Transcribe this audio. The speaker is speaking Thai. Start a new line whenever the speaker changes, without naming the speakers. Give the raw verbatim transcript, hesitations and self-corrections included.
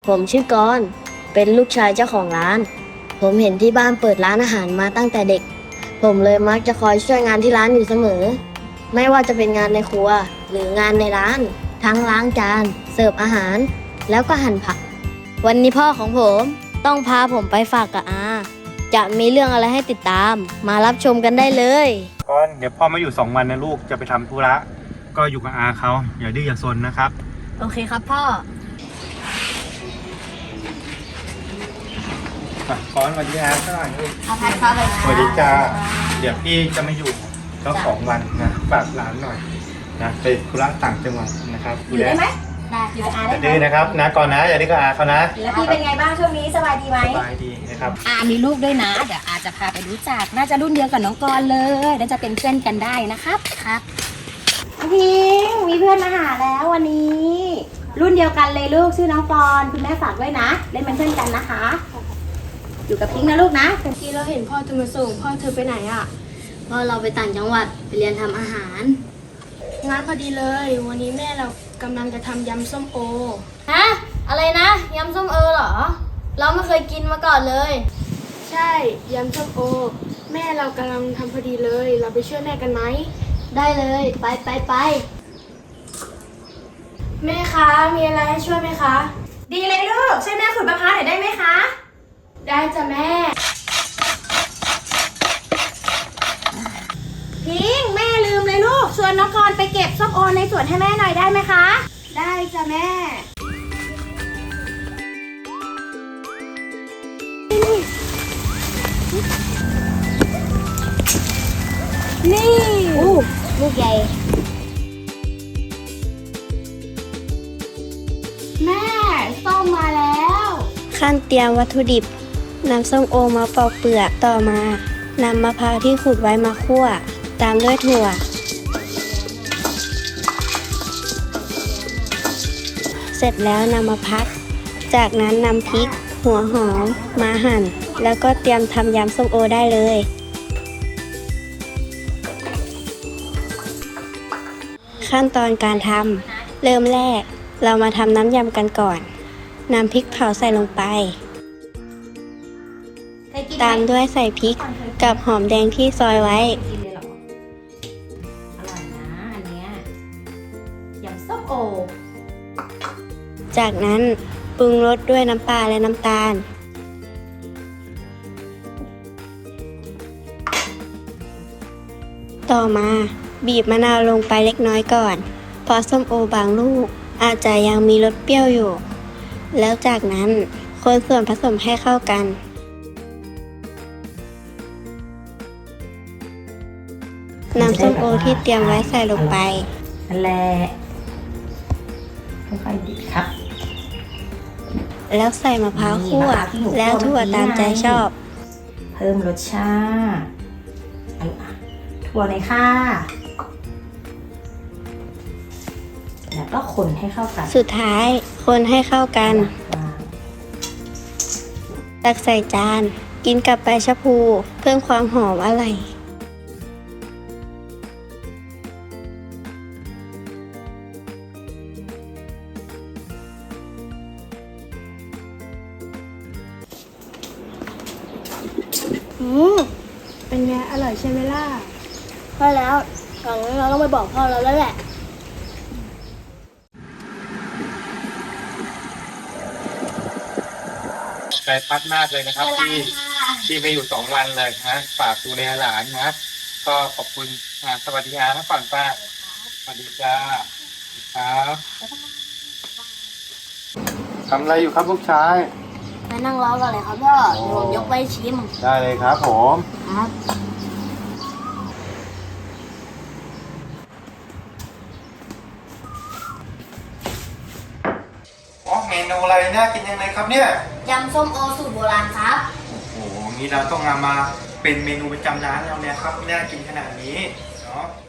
ผมชื่อกรณ์เป็นลูกชายเจ้าของร้าน ผมเห็นที่บ้านเปิดร้านอาหารมาตั้งแต่เด็ก ผมเลยมักจะคอยช่วยงานที่ร้านอยู่เสมอ ไม่ว่าจะเป็นงานในครัวหรืองานในร้าน ทั้งล้างจาน เสิร์ฟอาหาร แล้วก็หั่นผัก วันนี้พ่อของผมต้องพาผมไปฝากกับอา จะมีเรื่องอะไรให้ติดตาม มารับชมกันได้เลย
ก่อนเดี๋ยวพ่อมาอยู่สองวันนะลูกจะไปทำธุระก็อยู่กับอาเขาอย่าดื้ออย่าซนนะครับ
โอเคครับพ่อ
ก่อนสวัสดีอาสักหน่อยลูก
อาภัยครับ
สวัสดีจ้าเดี๋ยวพี่จะมาอยู่ก็สองวันนะฝากหลานหน่อยนะไปธุระต่างจังหวัดนะครับ
อยู่ได้ไหมได้อยู่กับอาได้
ไหมดื้อนะครับนะก่อนนะอย่าดื้อกับอาเขานะ
แล้วพี่เป็นไงบ้างช่วงนี้สบายดีไหม
สบายดีนะครับ
อามีลูกด้วยนะเดี๋ยวอาจะพาไปรู้จักน่าจะรุ่นเดียวกับน้องกรเลยน่าจะเป็นเพื่อนกันได้นะครับครับพิงมีเพื่อนมาหาแล้ววันนี้ รุ่นเดียวกันเลยลูกชื่อน้องกรคุณแม่ฝากด้วยนะเล่นเป็นเพื่อนกันนะคะอยู่กับพิงนะลูกนะ
เมื่อกี้เราเห็นพ่อจะมาส่งพ่อเธอไปไหนอ่ะพ่อเราไปต่างจังหวัดไปเรียนทำอาหารงานพอดีเลยวันนี้แม่เรากำลังจะทำยำส้มโอฮะอะไรนะยำส้มโอเหรอเราไม่เคยกินมาก่อนเลยใช่ยำส้มโอแม่เรากำลังทำพอดีเลยเราไปช่วยแม่กันไหมได้เลยไปไปไปแม่คะมีอะไรให้ช่วยไหมคะ
ดีเลยลูกช่วยแม่ขุดมะพร้าวหน่อยได้ไหมคะ
ได้จ้ะแม่
พิงแม่ลืมเลยลูกชวนน้องกรไปเก็บส้มโอในสวนให้แม่หน่อยได้ไหมคะ
ได้จ้ะแม่นี่อู้ลูกใหญ่แม่ส้มมาแล้วขั้นเตรียมวัตถุดิบนำส้มโอมาปอกเปลือกต่อมานำมะพร้าวที่ขูดไว้มาคั่วตามด้วยถั่วเสร็จแล้วนำมาพักจากนั้นนำพริกหัวหอมมาหั่นแล้วก็เตรียมทำยำส้มโอได้เลยขั้นตอนการทำเริ่มแรกเรามาทำน้ำยำกันก่อนนำพริกเผาใส่ลงไปตามด้วยใส่พริกกับหอมแดงที่ซอยไว้
อร่อยนะอันเนี้ยยำส้มโอ
จากนั้นปรุงรสด้วยน้ำปลาและน้ำตาลต่อมาบีบมะนาวลงไปเล็กน้อยก่อนเพราะส้มโอบางลูกอาจจะยังมีรสเปรี้ยวอยู่แล้วจากนั้นคนส่วนผสมให้เข้ากันนำส้มโอที่เตรียมไว้ใส่ลงไป
นั่นแหละค่อยๆดิบครับ
แล้วใส่มะพร้าวคั่วแล้วถั่วตามใจชอบ
เพิ่มรสชาติถั่วเลยค่ะแล้วก็คนให้เข้ากัน
สุดท้ายคนให้เข้ากันตักใส่จานกินกับใบชะพูเพิ่มความหอมอร่อยอืมเป็นไงอร่อยใช่ไหมล่ะพอแล้วตอนนี้เราต้องไปบอกพ่อเราแล้วแหละ
ใจพัดมากเลยนะครับที่ที่ไปอยู่สองวันเลยนะฝากดูแลหลานนะก็ขอบคุณอ่าสวัสดีครับก่อนป้าสวัสดีจ้าครับทำอะไรอยู่ครับลูกชาย
ไปนั่งรอกันเลยครับพ่อผมยกไปชิม
ได้เลยครับผม
ครับ
อ๋อเมนูอะไรน่ากินยังไงครับเนี่ย
ยำส้มโอสูตรโบราณครับ
โอ้โหงี้เราต้องนำมาเป็นเมนูประจำร้านเราเนี่ยครับน่ากินขนาดนี้เนาะ